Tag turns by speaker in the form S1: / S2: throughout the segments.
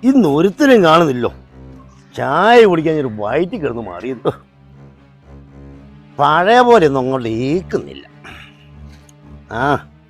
S1: ഇന്ന് ഒരുത്തരും കാണുന്നില്ലോ. ചായ കുടിക്കാൻ ഒരു വയറ്റിൽ കിടന്ന് മാറിയത് പഴയ പോലെ ഒന്നും അങ്ങോട്ട് ഏക്കുന്നില്ല. ആ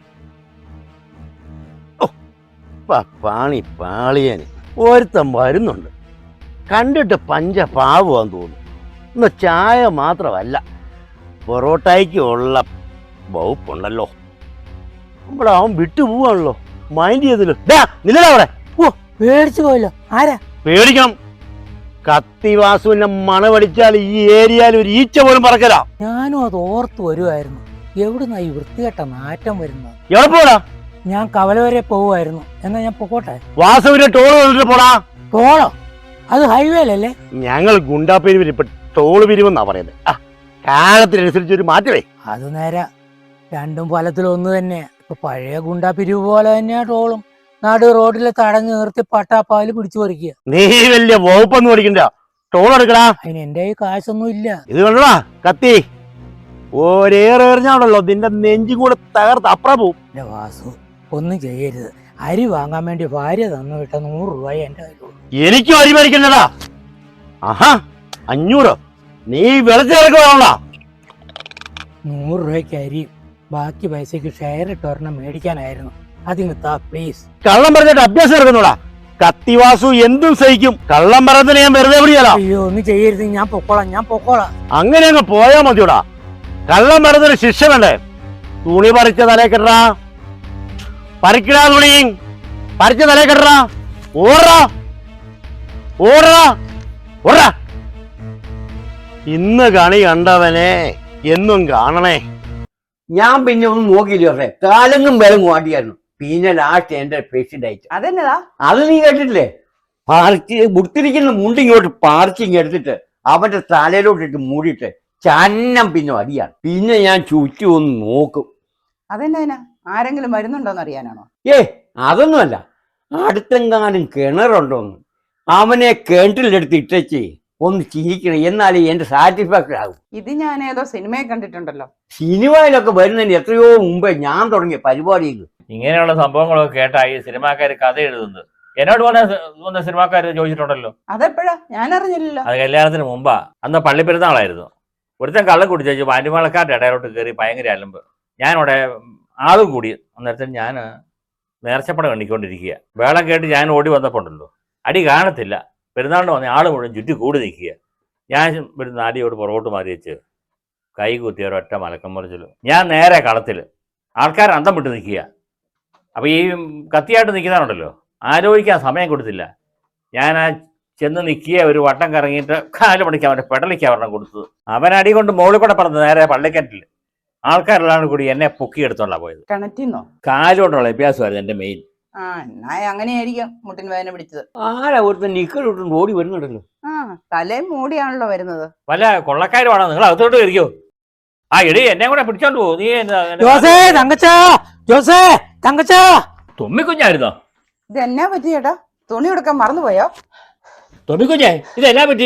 S1: പാളിയാന് ഒരുത്തൻ വരുന്നുണ്ട്. കണ്ടിട്ട് പഞ്ച പാവുവാന്ന് തോന്നുന്നു. ഇന്ന് ചായ മാത്രമല്ല, പൊറോട്ടയ്ക്കുള്ള വകുപ്പുണ്ടല്ലോ. ഇവിടെ അവൻ വിട്ടുപോവാണല്ലോ. മൈൻഡ് ചെയ്തല്ലോ. നിലടാ അവിടെ.
S2: ഓ, പേടിച്ചു പോയല്ലോ. ആരാ?
S1: പേടിക്കണം. കത്തിവാസുവിന്റെ മണവടിച്ചാൽ ഈ ഏരിയയിൽ ഒരു ഈച്ച പോലും പറക്കല.
S2: ഞാനും അത് ഓർത്തു വരുമായിരുന്നു. എവിടുന്നാ ഈ വൃത്തികെട്ട നാറ്റം വരുന്നത്?
S1: എവിടെ പോടാ?
S2: ഞാൻ കവല വരെ പോവുമായിരുന്നു. എന്നാ ഞാൻ പോകട്ടെ.
S1: വാസുവിന്റെ ടോള് വന്നിട്ട് പോടാ.
S2: ടോളോ? അത് ഹൈവേലല്ലേ?
S1: ഞങ്ങൾ ഗുണ്ടാപ്പിരിവിൽ ഇപ്പൊ ടോള് പിരിവെന്നാ പറയുന്നത്. കാലത്തിനനുസരിച്ച് ഒരു മാറ്റമേ.
S2: അത് നേരെ രണ്ടും ഫലത്തിലും ഒന്ന് തന്നെ. ഇപ്പൊ പഴയ ഗുണ്ടാ പിരിവ് പോലെ തന്നെയാ ടോളും. നാട് റോഡിൽ തടഞ്ഞു നിർത്തി പട്ടാപ്പാല് പിടിച്ചു പറിക്കുക.
S1: നീ വലിയ വകുപ്പൊന്നും പഠിക്കണ്ട. ടോൾ എടുക്കടാ.
S2: അതിന് എന്റെ കയ്യിൽ കാശൊന്നും ഇല്ല.
S1: ഇത് കണ്ടോടാ കത്തി. ഒരേറെ എറിഞ്ഞാണല്ലോ നിന്റെ നെഞ്ചും കൂടെ തകർത്ത് അപ്പുറം പോവും.
S2: എന്റെ വാസു, ഒന്നും ചെയ്യരുത്. അരി വാങ്ങാൻ വേണ്ടി ഭാര്യ തന്നു വിട്ട 100 രൂപ എന്റെ കയ്യിലുള്ളൂ.
S1: എനിക്കും അരി മേടിക്കണ്ടടാ. ആഹാ, 500. നീ വെളിച്ചിറക്കണോടാ.
S2: 100 രൂപയ്ക്ക് അരി, ബാക്കി പൈസക്ക് ഷെയർ ഇട്ട് ഒരെണ്ണം മേടിക്കാനായിരുന്നു. അതിന് താ പ്ലീസ്.
S1: കള്ളം പറഞ്ഞിട്ട് അഭ്യാസം എടുക്കുന്നോടാ. കത്തിവാസു എന്തും സഹിക്കും. കള്ളം പറഞ്ഞതിന് ഞാൻ വെറുതെ വിടിയാലോ.
S2: അയ്യോ, ഒന്നും ചെയ്യരുത്. ഞാൻ പൊക്കോളാം.
S1: അങ്ങനെ അങ്ങ് പോയാ മതിയോടാ. കള്ളം പറഞ്ഞൊരു ശിക്ഷ വേണ്ടേ? തുണി പറിച്ച തലേ കെട്ടറാ. പറിക്കടാ തുണി. പറിച്ച തലേ കെട്ടറാ. ഓടാ. ഇന്ന് കണി കണ്ടവനെ എന്നും കാണണേ.
S3: ഞാൻ പിന്നെ ഒന്നും നോക്കിയില്ല. പക്ഷേ കാലങ്ങും വിലങ്ങും ആട്ടിയായിരുന്നു. പിന്നെ ലാസ്റ്റ് എന്റെ പേഷ്യന്റ് അയച്ചു.
S4: അതെന്നതാ?
S3: അത് നീ കേട്ടിട്ടില്ലേ? പാർച്ച് മുട്ടിരിക്കുന്ന മുണ്ടിങ്ങോട്ട് പാർച്ചിങ് എടുത്തിട്ട് അവന്റെ തലയിലോട്ടിട്ട് മൂടിയിട്ട് ചന്നം പിന്നെ അടിയാണ്. പിന്നെ ഞാൻ ചുറ്റും ഒന്ന് നോക്കും.
S4: അതെന്നാ? ആരെങ്കിലും വരുന്നുണ്ടോന്ന് അറിയാനാണോ?
S3: അതൊന്നുമല്ല, അടുത്തെങ്ങാനും കിണറുണ്ടോന്ന്. അവനെ കിണറ്റിലെടുത്ത് ഇട്ടേച്ച് ഒന്ന് ചിരിക്കണം. എന്നാലേ എന്റെ സാറ്റിസ്ഫാക്ഷൻ ആകും.
S4: ഇത് ഞാൻ ഏതോ സിനിമയെ കണ്ടിട്ടുണ്ടല്ലോ.
S3: സിനിമയിലൊക്കെ വരുന്നതിന് എത്രയോ മുമ്പേ ഞാൻ തുടങ്ങിയ പരിപാടിയിൽ
S5: ഇങ്ങനെയുള്ള സംഭവങ്ങളൊക്കെ കേട്ടായി സിനിമാക്കാർ കഥ എഴുതുന്നത്. എന്നോട് വന്ന സിനിമാക്കാർ ചോദിച്ചിട്ടുണ്ടല്ലോ.
S4: അതെപ്പോഴാ? ഞാൻ അറിഞ്ഞില്ലല്ലോ.
S5: അത് കല്യാണത്തിന് മുമ്പാ. അന്ന് പള്ളിപ്പെരുന്നാളായിരുന്നു. ഒരുത്തൻ കള്ളം കുടിച്ചു പാൻറ്റുമേളക്കാരുടെ ഇടയിലോട്ട് കയറി ഭയങ്കര അലമ്പ്. ഞാനവിടെ ആളും കൂടി. അന്നേരത്തിന് ഞാൻ നേർച്ചപ്പടം എണ്ണിക്കൊണ്ടിരിക്കുക. വേളം കേട്ട് ഞാൻ ഓടി വന്നപ്പോണ്ടല്ലോ, അടി കാണത്തില്ല. പെരുന്നാളിന് വന്ന ആൾ മുഴുവൻ ചുറ്റി കൂടി നിൽക്കുക. ഞാൻ വരുന്ന അടിയോട് പുറകോട്ട് മാറി വെച്ച് കൈ കുത്തിയ ഒരൊറ്റ മലക്കം മറിച്ചല്ലോ. ഞാൻ നേരെ കളത്തിൽ ആൾക്കാർ അന്തം വിട്ട് നിൽക്കുക. അപ്പോൾ ഈ കത്തിയായിട്ട് നിൽക്കുന്നതാണല്ലോ, ആലോചിക്കാൻ സമയം കൊടുത്തില്ല. ഞാൻ ആ ചെന്ന് നിൽക്കുക, ഒരു വട്ടം കറങ്ങിയിട്ട് കാല് പണിക്കാൻ അവൻ്റെ പെടലിക്കാൻ ഒരെണ്ണം കൊടുത്തത്. അവൻ അടി കൊണ്ട് മുകളിൽ കൂടെ പറന്ന് നേരെ പള്ളിക്കറ്റിൽ. ആൾക്കാരെല്ലാം കൂടി എന്നെ പൊക്കിയെടുത്തോണ്ടാണ് പോയത്.
S4: കിണറ്റിന്നോ?
S5: കാലുകൊണ്ടുള്ള അഭ്യാസമായിരുന്നു എൻ്റെ മെയിൻ.
S4: എന്നാ അങ്ങനെയായിരിക്കും മുട്ടിന് വേദന പിടിച്ചത്.
S3: ആരാ ഒരുത്തൻ നിക്കറിട്ടുണ്ട് ഓടി വരുന്നുണ്ടല്ലോ.
S4: തലയും മൂടിയാണല്ലോ വരുന്നത്.
S5: വല്ല കൊള്ളക്കാരുമാണോ? നിങ്ങൾ അകത്തോട്ട് കയറിയോ? ആ എടി എന്നെ കൂടെ പിടിച്ചോണ്ട് പോകും. നീ തൊമ്മിക്കുഞ്ഞായിരുന്നോ?
S4: ഇതെന്നാ പറ്റി ചേട്ടാ? തുണി എടുക്കാൻ മറന്നുപോയോ?
S5: തൊമ്മിക്കുഞ്ഞേ, ഇതെന്നാ പറ്റി?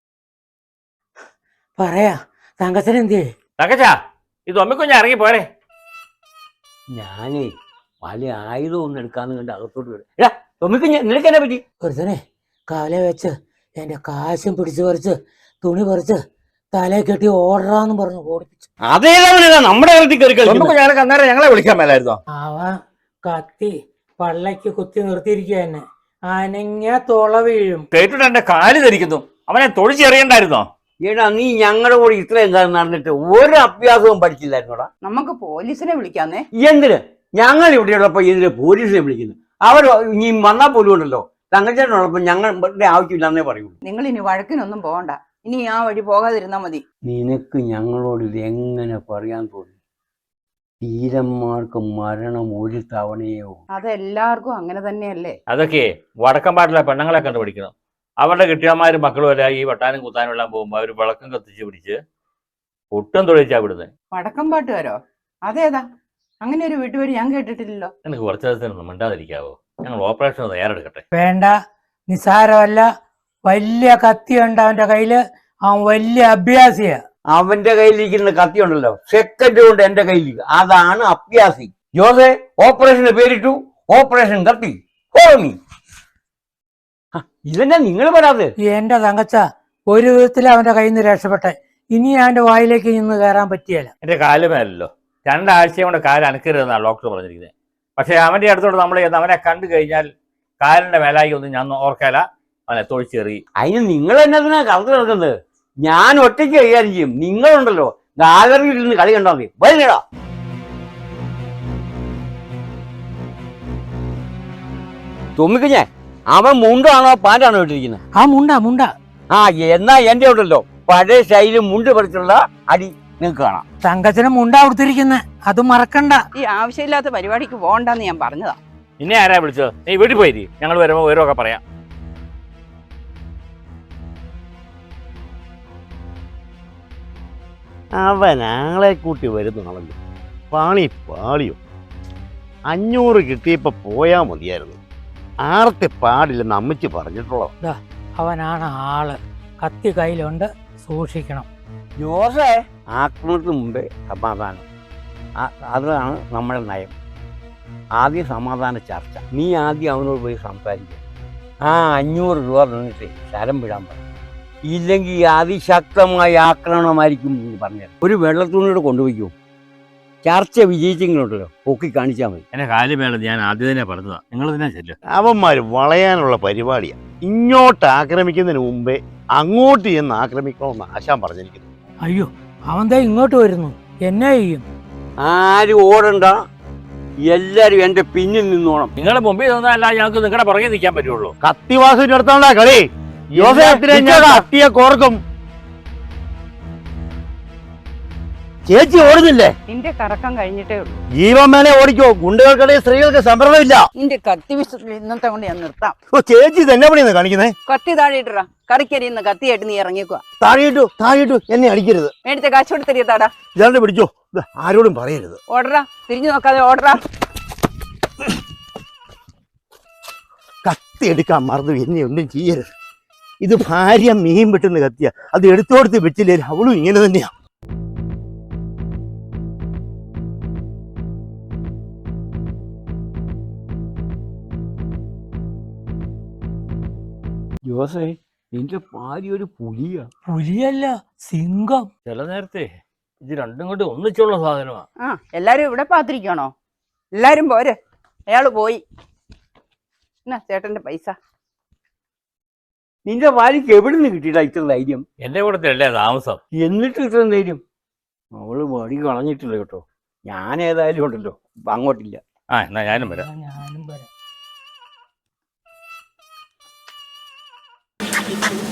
S2: പറയാ തങ്കച്ചനെന്തേ?
S5: തങ്കച്ചാ, ഈ തൊമ്മിക്കുഞ്ഞ ഇറങ്ങി പോരെ.
S3: ഞാനേ പല ആയുധം ഒന്നും എടുക്കാന്ന് കണ്ട് അകത്തോട്ട് വരും. തൊമ്മിക്കുഞ്ഞ, നിനക്ക് എന്നെ പറ്റി?
S2: ഒരുത്തനെ കാല വെച്ച് എന്റെ കാശും പിടിച്ചു പറിച്ച് തുണി പറിച്ച് തലേ കെട്ടി ഓടാന്ന് പറഞ്ഞു ഓടിപ്പിച്ചു.
S1: അതേതാ നമ്മുടെ
S5: ഞാനൊക്കെ അന്നേരം ഞങ്ങളെ വിളിക്കാൻ മേലായിരുന്നോ?
S2: അവൻ കത്തി പള്ളയ്ക്ക് കുത്തി നിർത്തിയിരിക്കുക തന്നെ. അനങ്ങ തുള വീഴും.
S5: കേട്ടിട്ട് എന്റെ കാല് ധരിക്കുന്നു. അവനെ തൊഴിച്ചെറിയണ്ടായിരുന്നോ?
S3: ഏടാ, നീ ഞങ്ങളുടെ കൂടെ ഇത്രയും കാലം നടന്നിട്ട് ഒരു അഭ്യാസവും പഠിച്ചില്ലായിരുന്നോടാ?
S4: നമുക്ക് പോലീസിനെ വിളിക്കാന്നേ.
S3: എന്തിന്? ഞങ്ങൾ ഇവിടെയുള്ളപ്പോ ഇതിന് പോലീസിനെ വിളിക്കുന്നു. അവർ ഇനി വന്നാൽ പോലും ഉണ്ടല്ലോ, തങ്കച്ചേട്ടനുള്ളപ്പോ ഞങ്ങളുടെ ആവശ്യമില്ലാന്നേ പറയുള്ളൂ.
S4: നിങ്ങൾ ഇനി വഴക്കിനൊന്നും പോകണ്ട. ഇനി ആ വഴി പോകാതിരുന്നാ മതി.
S3: നിനക്ക് ഞങ്ങളോട് ഇത് എങ്ങനെ പറയാൻ തോന്നി? തീരന്മാർക്ക് മരണം ഒരു തവണയോ?
S4: അതെല്ലാവർക്കും അങ്ങനെ തന്നെയല്ലേ.
S5: അതൊക്കെ വടക്കമ്പാട്ടിലെ പെണ്ണുങ്ങളെ കണ്ടുപിടിക്കണം. അവരുടെ കെട്ടിയന്മാരും മക്കളും എല്ലാം ഈ വട്ടാനും കുത്താനും എല്ലാം പോകുമ്പോൾ അവർ വിളക്കം കത്തിച്ച് പിടിച്ച് ഒട്ടും തൊഴിച്ചാ വിടുന്നത്.
S4: വടക്കം പാട്ടുകാരോ? അതേതാ? അങ്ങനെ ഒരു വീട്ടുപേര് ഞാൻ കേട്ടിട്ടില്ലല്ലോ.
S5: എനിക്ക് കുറച്ച് ദിവസത്തിനൊന്നും മിണ്ടാതിരിക്കാവോ? ഞങ്ങൾ ഓപ്പറേഷൻ തയ്യാറെടുക്കട്ടെ.
S2: വേണ്ട, നിസാരമല്ല. വലിയ കത്തിയുണ്ട് അവന്റെ കയ്യില്. അവൻ വലിയ അഭ്യാസിയാ.
S3: അവന്റെ കയ്യിലിരിക്കുന്ന കത്തി ഉണ്ടല്ലോ, സെക്കൻഡ് കൊണ്ട് എന്റെ കയ്യിൽ. അതാണ് അഭ്യാസി. ജോസെ ഓപ്പറേഷന് പേരിട്ടു, ഓപ്പറേഷൻ കത്തി. ഇതെന്നാ നിങ്ങൾ പറയാതെ?
S2: എന്റെ തങ്കച്ച ഒരു വിധത്തിൽ അവന്റെ കയ്യിൽ നിന്ന് രക്ഷപ്പെട്ടെ. ഇനി അവന്റെ വായിലേക്ക് ഇന്ന് കയറാൻ പറ്റിയല്ല.
S5: എൻ്റെ കാലുമേലല്ലോ 2 ആഴ്ചയും കൊണ്ട് കാല് അനക്കരുതെന്നാണ് ഡോക്ടർ പറഞ്ഞിരിക്കുന്നത്. പക്ഷേ അവൻ്റെ അടുത്തോട്ട് നമ്മൾ ചെന്ന് അവനെ കണ്ടു കഴിഞ്ഞാൽ കാലിൻ്റെ മേലായി ഒന്നും ഞാൻ ഓർക്കല, അവനെ തൊഴിച്ചെറി.
S3: അതിന് നിങ്ങൾ എന്നതിനാ കറക്റ്റ് നടക്കുന്നത്? ഞാൻ ഒറ്റയ്ക്ക് കൈകാര്യം ചെയ്യും. നിങ്ങളുണ്ടല്ലോ ഗാലറിയിൽ ഇരുന്ന് കളി കണ്ടാൽ മതി. വരുന്നേടാ. തുമ്മിക്കുഞ്ഞേ, അവൻ മുണ്ടാണോ പാൻ്റാണോ ഇട്ടിരിക്കുന്നത്?
S2: ആ മുണ്ട.
S3: ആ എന്നാ എന്റെ ഉണ്ടല്ലോ പഴയ ശൈലി മുണ്ട് പറിച്ചുള്ള അടി നിങ്ങൾക്ക് കാണാം.
S2: തങ്കച്ചന് മുണ്ടാ കൊടുത്തിരിക്കുന്നെ, അത് മറക്കണ്ട.
S4: ഈ ആവശ്യമില്ലാത്ത പരിപാടിക്ക് പോകണ്ടെന്ന് ഞാൻ പറഞ്ഞതാ.
S5: നിന്നെ ആരാ വിളിച്ചത്? നീ വീട്ടിൽ പോയിരി, ഞങ്ങൾ വരുമ്പോൾ ഓരോക്കെ പറയാം.
S1: അവൻ ആളെ കൂട്ടി വരുന്നതാണല്ലോ. പാളിയോ 500 കിട്ടിയപ്പോ പോയാ മതിയായിരുന്നു. ആർത്തെ പാടില്ലെന്ന് അമ്മച്ചി പറഞ്ഞിട്ടുള്ളത്.
S2: അവനാണ് ആള്. കത്തി കയ്യിലുണ്ട്, സൂക്ഷിക്കണം.
S3: ജോസേ, ആക്രമണത്തിന് മുമ്പേ സമാധാനം, അതാണ് നമ്മുടെ നയം. ആദ്യം സമാധാന ചർച്ച. നീ ആദ്യം അവനോട് പോയി സംസാരിക്കുക. 500 രൂപ തന്നിട്ട് ശരം വിടാൻ പറ. ഇല്ലെങ്കിൽ അതിശക്തമായ ആക്രമണമായിരിക്കും എന്ന് പറഞ്ഞത്. ഒരു വെള്ളത്തുണിയോട് കൊണ്ടുപോയിക്കോ. ചർച്ച വിജയിച്ചെങ്കിലുണ്ടല്ലോ പൊക്കി കാണിച്ചാൽ മതി.
S5: എൻ്റെ കാലുമേലെന്ന് ഞാൻ ആദ്യം തന്നെ പറഞ്ഞതാ, നിങ്ങൾ തന്നെ ചെല്ലും.
S1: അവന്മാര് വളയാനുള്ള പരിപാടിയാണ്. ഇങ്ങോട്ട് ആക്രമിക്കുന്നതിന് മുമ്പേ അങ്ങോട്ട് ചെന്ന് ആക്രമിക്കണമെന്ന് ആശാൻ പറഞ്ഞിരിക്കുന്നു.
S2: അയ്യോ, അവൻ ഇങ്ങോട്ട് വരുന്നു, എന്നെ ചെയ്യും?
S3: ആരും ഓടണ്ട, എല്ലാരും എന്റെ പിന്നിൽ നിന്നോണം.
S5: നിങ്ങളുടെ മുമ്പിൽ നിന്നല്ല ഞങ്ങൾക്ക് നിങ്ങളുടെ പുറകെ നിൽക്കാൻ പറ്റുള്ളൂ.
S1: കത്തിവാസിന്റെ അടുത്താണ്ടാ കളി. യോസേഫിനെ ഞാൻ കത്തിയെ കോർക്കും. ചേച്ചി ഓടുന്നില്ലേ?
S4: നിന്റെ കറക്കം കഴിഞ്ഞിട്ടേ ഉള്ളൂ.
S1: ജീവൻ മേലെ ഓടിക്കോ. ഗുണ്ടകൾക്കിടയിൽ സ്ത്രീകൾക്ക് സംവരണമില്ല.
S4: നിന്റെ കത്തി വിശുദ്ധി ഇന്നത്തെ കൊണ്ട് ഞാൻ നിർത്താം.
S1: ചേച്ചി തന്നെ പണിയെന്ന് കാണിക്കുന്നേ.
S4: കത്തി താഴെയിട്ടാ, കറിക്കരിന്ന് കത്തിയായിട്ട് നീ ഇറങ്ങിക്കുക.
S1: താഴെയിട്ടു എന്നെ അടിക്കരുത്.
S4: മേടിച്ച കാശ് കൊടുത്തരിയ താടാ.
S1: ഇതാണ്ട് പിടിച്ചോ. ഇത് ആരോടും പറയരുത്.
S4: ഓർഡറാ, തിരിഞ്ഞു നോക്കാതെ ഓർഡറാ.
S1: കത്തി എടുക്കാൻ മറന്നു, എന്നെ ഒന്നും ചെയ്യരുത്. ഇത് ഭാര്യ മീൻ വെട്ടുന്ന കത്തിയ. അത് എടുത്തോടുത്ത് വെച്ചില്ലേ അവളും ഇങ്ങനെ തന്നെയാ.
S3: ജോസേ, നിന്റെ ഭാര്യ ഒരു പുലിയാ.
S2: പുലിയല്ല, സിംഹം.
S5: ചില നേരത്തെ ഇത് രണ്ടും കൊണ്ട് ഒന്നിച്ചുള്ള സാധനമാണ്.
S4: എല്ലാരും ഇവിടെ പാത്തിരിക്കണോ? എല്ലാരും പോരെ, അയാള് പോയി. എന്നാ ചേട്ടന്റെ പൈസ.
S3: നിന്റെ ഭാര്യക്ക് എവിടെ നിന്ന് കിട്ടിയിട്ടാ ഇത്ര ധൈര്യം?
S5: എൻ്റെ കൂട്ടത്തിലല്ലേ താമസം.
S3: എന്നിട്ട് ഇത്ര ധൈര്യം? അവള് വടി കളഞ്ഞിട്ടില്ല കേട്ടോ. ഞാൻ ഏതായാലും ഉണ്ടല്ലോ അങ്ങോട്ടില്ല.
S5: എന്നാ ഞാനും വരാം.
S2: ഞാനും വരാം.